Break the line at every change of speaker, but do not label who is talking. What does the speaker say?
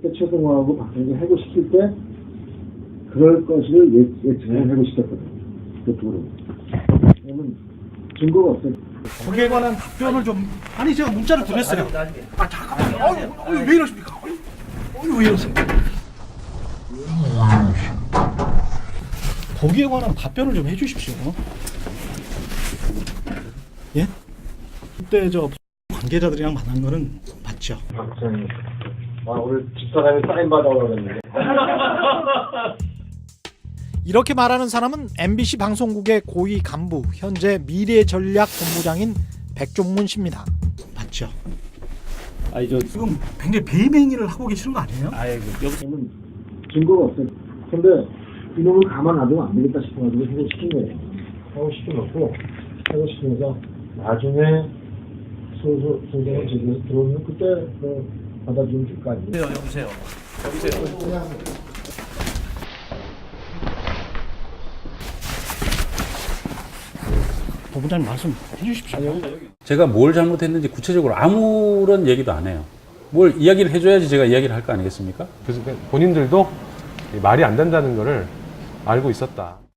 그때 최동호하고 박정희가 해고시킬 때 그럴 것을 예측을 해고시켰거든요. 그쪽으로. 왜냐면 증거가 없어요.
거기에 관한 답변을 좀 아니 제가 문자를 보냈어요. 아 잠깐만요. 왜 이러십니까? 왜 이러세요? 거기에 관한 답변을 좀 해주십시오. 예? 그때 저 관계자들이랑 만난 거는 맞죠?
박정희. 오늘 집사람이 사인 받아오라고 했는데.
이렇게 말하는 사람은 MBC 방송국의 고위 간부, 현재 미래전략본부장인 백종문 씨입니다. 맞죠?
아니 저
지금 굉장히 배임행위를 하고 계시는 거 아니에요?
여기서는 증거가 없어요. 근데 이놈을 가만 놔두면 안 되겠다 싶어가지고 해고시킨 거예요. 해고시켜놓고 해고시키면서 나중에 소송을 제기해서 들어오면 그때 받아주면 줄 거 아니에요.
여보세요.
본부장님 말씀 해주십시오.
제가 뭘 잘못했는지 구체적으로 아무런 얘기도 안 해요. 뭘 이야기를 해줘야지 제가 이야기를 할 거 아니겠습니까?
그래서 본인들도 말이 안 된다는 거를 알고 있었다.